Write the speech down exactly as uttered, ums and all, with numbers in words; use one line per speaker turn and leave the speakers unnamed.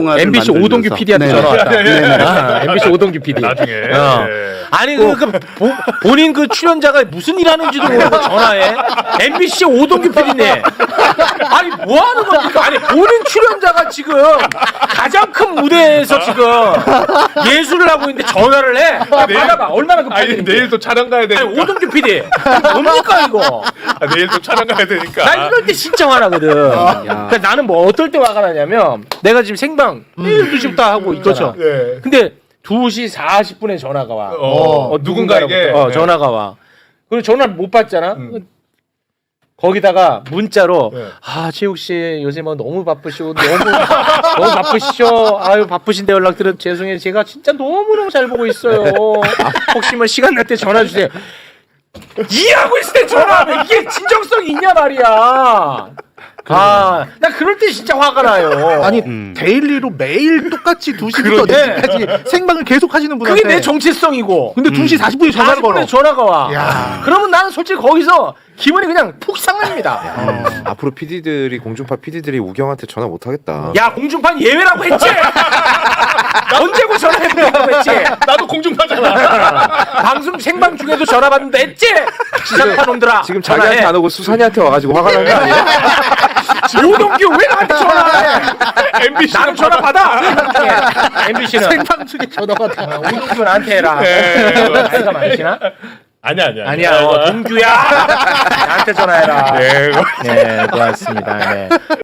엠비씨 오동규 피디한테
네.
전화 왔다.
네, 네, 네.
아, 엠비씨 오동규 피디.
나중에.
어.
네.
아니 그, 그 보, 본인 그 출연자가 무슨 일 하는지도 모르고 전화해. 엠비씨 오동규 피디네. 아니 뭐 하는 겁니까? 아니 본인 출연자가 지금 가장 큰 무대에서 지금 예술을 하고 있는데 전화를 해. 아,
내일-
받아봐. 얼마나 급한데.
아니 내일 또 촬영 가야 되니까.
아니 오동규 피디. 뭡니까 이거?
아, 내일 또 촬영 가야 되니까.
나 이럴 때 진짜 화나거든. 그러니까 나는 뭐 어떨 때 화가 나냐면 내가 지금 생방 내일 두 시부터 하고 있잖아.
네.
근데 두 시 사십 분에 전화가 와.
어,
어,
누군가에게
누군가로부터. 어,
네.
전화가 와. 그리고 전화를 못 받잖아.
음.
거기다가 문자로
네.
아 최욱 씨 요새 뭐 너무 바쁘시고 너무 너무 바쁘시죠. 아유 바쁘신데 연락 드려 죄송해요. 제가 진짜 너무 너무 잘 보고 있어요. 혹시 뭐 시간 날 때 전화 주세요. 이해하고 있을 때 전화하면 이게 진정성이 있냐 말이야. 아, 나 그럴 때 진짜 화가 나요.
아니
음.
데일리로 매일 똑같이 두 시부터 네 시까지 생방을 계속 하시는 분한테
그게 내 정체성이고.
근데 두 시 사십 분에 전화를
사십 분에
걸어.
전화가 와.
야.
그러면 나는 솔직히 거기서 기분이 그냥 푹 상납니다.
어, 앞으로 피디들이 공중파 피디들이 우경한테 전화 못 하겠다.
야 공중판 예외라고 했지. 언제고 전화해보라고 했지.
나도 공중파잖아.
방송 생방 중에도 전화 받는다 했지. 지상파 놈들아.
지금 자기한테 안 오고 수산이한테 와가지고 화가 난 거 아니야?
오동규 왜 나한테 전화해?
엠비씨
나는 전화 받아. 엠비씨는
생방 중에 전화가 다.
오동규 나한테 해라.
네.
나이가 많으시나?
아니야 아니야.
아니야. 어, 동규야. 나한테 전화해라.
네.
네, 고맙습니다. 네.